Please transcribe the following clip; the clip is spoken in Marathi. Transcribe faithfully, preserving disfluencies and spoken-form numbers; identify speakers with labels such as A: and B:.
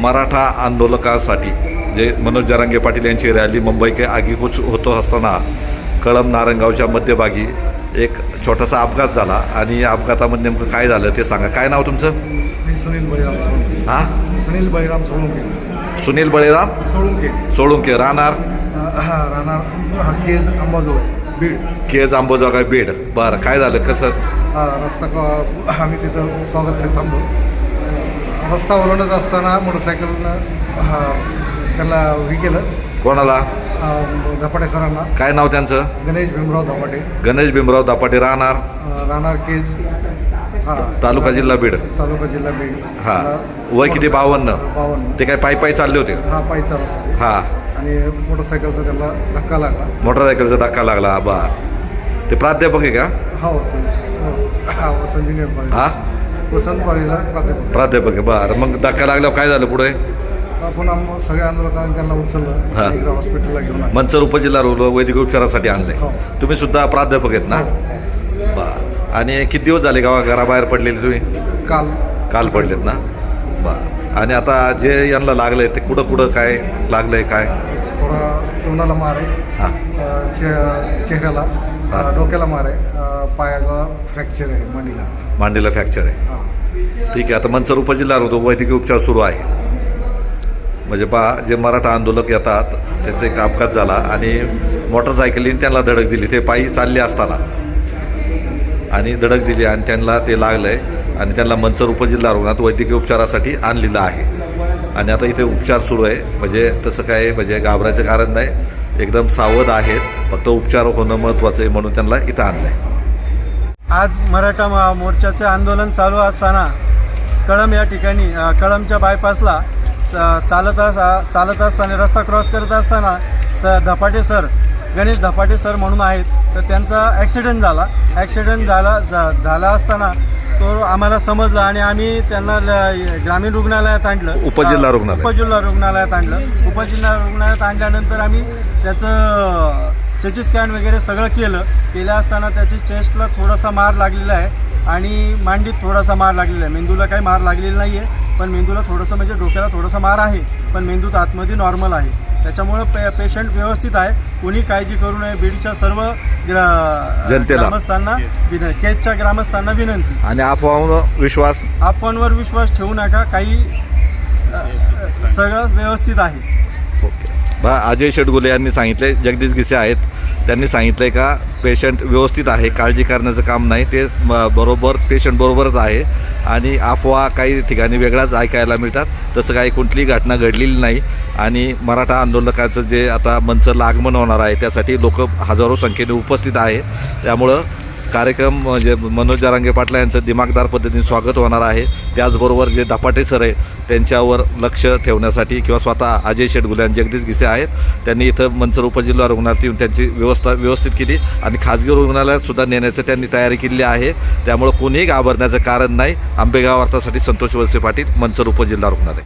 A: मराठा आंदोलकासाठी जे मनोज जरांगे पाटील यांची रॅली मुंबई के आगीकूच होतो असताना कळंब नारंगावच्या मध्यभागी एक छोटासा अपघात झाला आणि या अपघातामध्ये नेमकं काय झालं ते सांगा. काय नाव तुमचं?
B: मी सुनील बळीराम सोळुंके.
A: हां,
B: सुनील बळीराम सोळुंके.
A: सुनील बळीराम
B: सोळुंके.
A: सोळुंके. राहणार
B: राहणार केज अंबाजोगाई बीड.
A: केज अंबाजोगाई बीड. बरं, काय झालं कसं?
B: हा रस्ता क आम्ही तिथं स्वागतसाठी थांबलो. रस्ता ओलांडत असताना मोटरसायकलनं हा त्यांना हे केलं.
A: कोणाला?
B: धपाटे सरांना.
A: काय नाव त्यांचं?
B: गणेश भीमराव धपाटे.
A: गणेश भीमराव दापाटे. राहणार
B: राहणार केज. हां,
A: तालुका जिल्हा बीड.
B: तालुका जिल्हा बीड.
A: हां, वय किती? बावन्न.
B: बावन्न.
A: ते काय पायी पायी चालले होते?
B: हा पायी चालत होते.
A: हां,
B: आणि मोटरसायकलचा त्यांना धक्का लागला.
A: मोटरसायकलचा धक्का लागला. बा ते प्राध्यापक आहे का?
B: हा होतो वसंत ज्युनियर कॉलेज.
A: हां,
B: वसंत कॉलेजला प्राध्यापक.
A: प्राध्यापक आहे. बरं, मग धक्का लागल्यावर काय झालं पुढे?
B: आपण आम सगळ्या आंदोलकांनी त्यांना उचललं.
A: हां.
B: इकडे हॉस्पिटलला घेऊन आलो.
A: मंचर उपजिल्हा रुग्ण वैद्यकीय उपचारासाठी आणले.
B: हो.
A: तुम्ही सुद्धा प्राध्यापक आहेत ना? बा आणि किती दिवस झाले गावा घराबाहेर पडलेले तुम्ही?
B: काल
A: काल पडलेत ना? बा आणि आता जे यांना लागलंय ते कुठं कुठं काय लागलंय काय?
B: थोडा तोंडाला मार आहे.
A: हां,
B: अ, चे चेहऱ्याला, अ,
A: हां.
B: डोक्याला मार आहे. अ, पायाला फ्रॅक्चर आहे मांडीला.
A: मांडीला फ्रॅक्चर आहे.
B: हां.
A: ठीक आहे. आता मंचर उपजिल्हा रुग्ण वैद्यकीय उपचार सुरू आहे. म्हणजे पा जे मराठा आंदोलक येतात त्याचा एक अपघात झाला आणि मोटरसायकलीने त्यांना धडक दिली. ते पायी चालले असताना आणि धडक दिली आणि त्यांना ते लागलं आहे आणि त्यांना मंचर उपजिल्हा रुग्णात वैद्यकीय उपचारासाठी आणलेलं आहे. आणि आता इथे उपचार सुरू आहे. म्हणजे तसं काय म्हणजे घाबरायचं कारण नाही, एकदम सावध आहेत. फक्त उपचार होणं महत्त्वाचं आहे म्हणून त्यांना इथं आणलं आहे.
C: आज मराठा मा- मोर्चाचे आंदोलन चालू असताना कळंब या ठिकाणी अ, कळंबच्या बायपासला अ, चालत अस चालत असताना रस्ता क्रॉस करत असताना स धपाटे सर गणेश धपाटे सर म्हणून आहेत, तर त्यांचा ॲक्सिडेंट झाला. ॲक्सिडेंट झाला झा झाला असताना तो आम्हाला समजला आणि आम्ही त्यांना ल ग्रामीण रुग्णालयात आणलं.
A: उपजिल्हा रुग्णालय.
C: उपजिल्हा रुग्णालयात आणलं. उपजिल्हा रुग्णालयात आणल्यानंतर आम्ही त्याचं सी टी स्कॅन वगैरे सगळं केलं. केलं असताना त्याची चेस्टला थोडासा मार लागलेला आहे आणि मांडीत थोडासा मार लागलेला आहे. मेंदूला काही मार लागलेला नाही आहे, पण मेंदूला थोडंसं म्हणजे डोक्याला थोडासा मार आहे, पण मेंदूत आतमध्ये नॉर्मल आहे. त्याच्यामुळं पे पेशंट व्यवस्थित आहे. कोणी काळजी करू नये. बीडच्या सर्व ग्रा
A: जनतेला.
C: ग्रामस्थांना विन केजच्या ग्रामस्थांना विनंती.
A: आणि अफवावर विश्वास
C: अफवांवर विश्वास ठेवू नका. काही अ, सगळं व्यवस्थित आहे.
A: ओके. बा अजय शेटगुले यांनी सांगितले, जगदीश गिसे आहेत त्यांनी सांगितलं आहे का पेशंट व्यवस्थित आहे, काळजी करण्याचं काम नाही. ते म- बरोबर पेशंट बरोबरच आहे आणि अफवा काही ठिकाणी वेगळाच ऐकायला मिळतात. तसं काही कुठलीही घटना घडलेली नाही. आणि मराठा आंदोलकाचं जे आता मंचरला आगमन होणार आहे त्यासाठी लोक हजारो संख्येने उपस्थित आहे. त्यामुळं कार्यक्रम म्हणजे मनोज जरांगे पाटील यांचं दिमागदार पद्धतीने स्वागत होणार आहे. त्याचबरोबर जे धपाटे सर आहे त्यांच्यावर लक्ष ठेवण्यासाठी किंवा स्वतः अजय शेटगुले आणि जगदीश गिसे आहेत त्यांनी इथं मंचर उपजिल्हा रुग्णालयात येऊन त्यांची व्यवस्था व्यवस्थित केली आणि खाजगी रुग्णालयात सुद्धा नेण्याचं त्यांनी तयारी केली आहे. त्यामुळं कोणीही घाबरण्याचं कारण नाही. आंबेगाव वार्तासाठी संतोष वळसे पाटील, मंचर उपजिल्हा रुग्णालय.